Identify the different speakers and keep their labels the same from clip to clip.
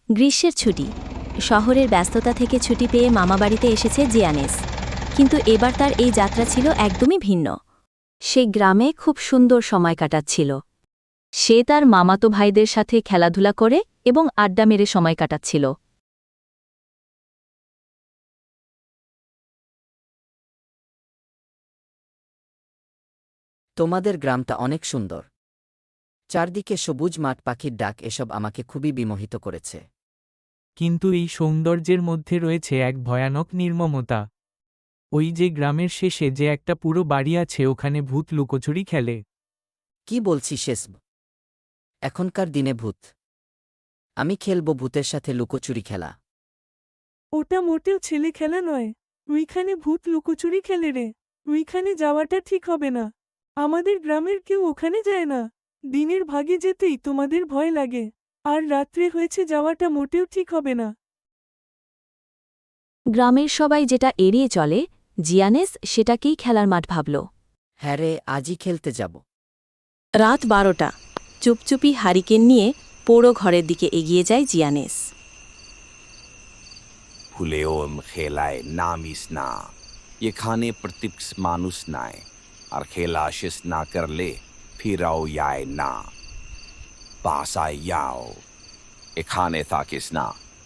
Speaker 1: গ্রীষ্মের ছুটি। শহরের ব্যস্ততা থেকে ছুটি পেয়ে মামাবাড়িতে এসেছে জিয়ানেস। কিন্তু এবার তার এই যাত্রা ছিল একদমই ভিন্ন। সে গ্রামে খুব সুন্দর সময় কাটাচ্ছিল। সে তার মামাতো ভাইদের সাথে খেলাধুলা করে এবং আড্ডা মেরে সময় কাটাচ্ছিল।
Speaker 2: তোমাদের গ্রামটা অনেক সুন্দর। চারদিকে সবুজ মাঠ, পাখির ডাক, এসব আমাকে খুবই বিমোহিত করেছে।
Speaker 3: কিন্তু এই সৌন্দর্যের মধ্যে রয়েছে এক ভয়ানক নির্মমতা। ওই যে গ্রামের শেষে যে একটা পুরো বাড়ি আছে, ওখানে ভূত লুকোচুরি খেলে।
Speaker 2: কি বলছি শেষব? এখনকার দিনে ভূত? আমি খেলব ভূতের সাথে লুকোচুরি খেলা?
Speaker 4: ওটা মোটেও ছেলে খেলা নয়। ওইখানে ভূত লুকোচুরি খেলে রে। ওইখানে যাওয়াটা ঠিক হবে না। আমাদের গ্রামের কেউ ওখানে যায় না। দিনের ভাগে যেতেই তোমাদের ভয় লাগে, আর রাত্রে হয়েছে যাওয়াটা মোটেও ঠিক হবে না।
Speaker 1: গ্রামের সবাই যেটা এড়িয়ে চলে, জিয়ানেস সেটাকেই খেলার মাঠ ভাবল।
Speaker 2: হ্যাঁ রে, আজই খেলতে যাব।
Speaker 1: রাত 12টা। চুপচুপি হারিকেন নিয়ে পোড়ো ঘরের দিকে এগিয়ে যায় জিয়ানেস।
Speaker 5: Huleom খেলায় নামিস না। এখানে প্রত্যেক মানুষ নাই, আর খেলা শেষ না করলে ফিরাও যায় না। বাসায় যাও, এখানে থাকিস না।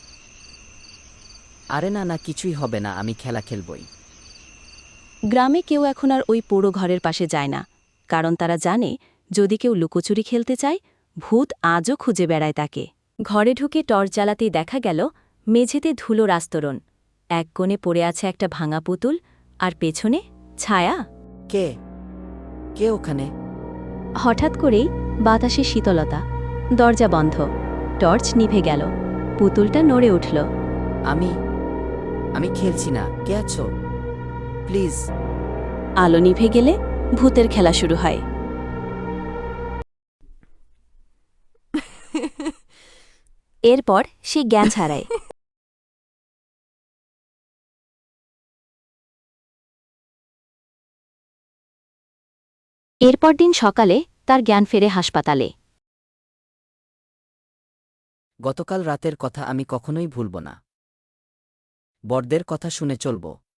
Speaker 2: আরে না না, কিছুই হবে না, আমি খেলা খেলবই।
Speaker 1: গ্রামে কেউ এখন আর ওই পোড়ো ঘরের পাশে যায় না, কারণ তারা জানে যদি কেউ লুকোচুরি খেলতে চায়, ভূত আজও খুঁজে বেড়ায় তাকে। ঘরে ঢুকে টর্চ জ্বালাতেই দেখা গেল মেঝেতে ধুলোর আস্তরণ। এক কোণে পড়ে আছে একটা ভাঙা পুতুল, আর পেছনে ছায়া।
Speaker 2: কে কে ওখানে?
Speaker 1: হঠাৎ করেই বাতাসে শীতলতা। দরজা বন্ধ। টর্চ নিভে গেল। পুতুলটা নড়ে উঠল।
Speaker 2: আমি আমি খেলছি না। কে আছো? প্লিজ।
Speaker 1: আলো নিভে গেলে ভূতের খেলা শুরু হয়। এরপর সে জ্ঞান হারায়। এরপর দিন সকালে তার জ্ঞান ফেরে হাসপাতালে।
Speaker 2: গতকাল রাতের কথা আমি কখনোই ভুলব না। বড়দের কথা শুনে চলব।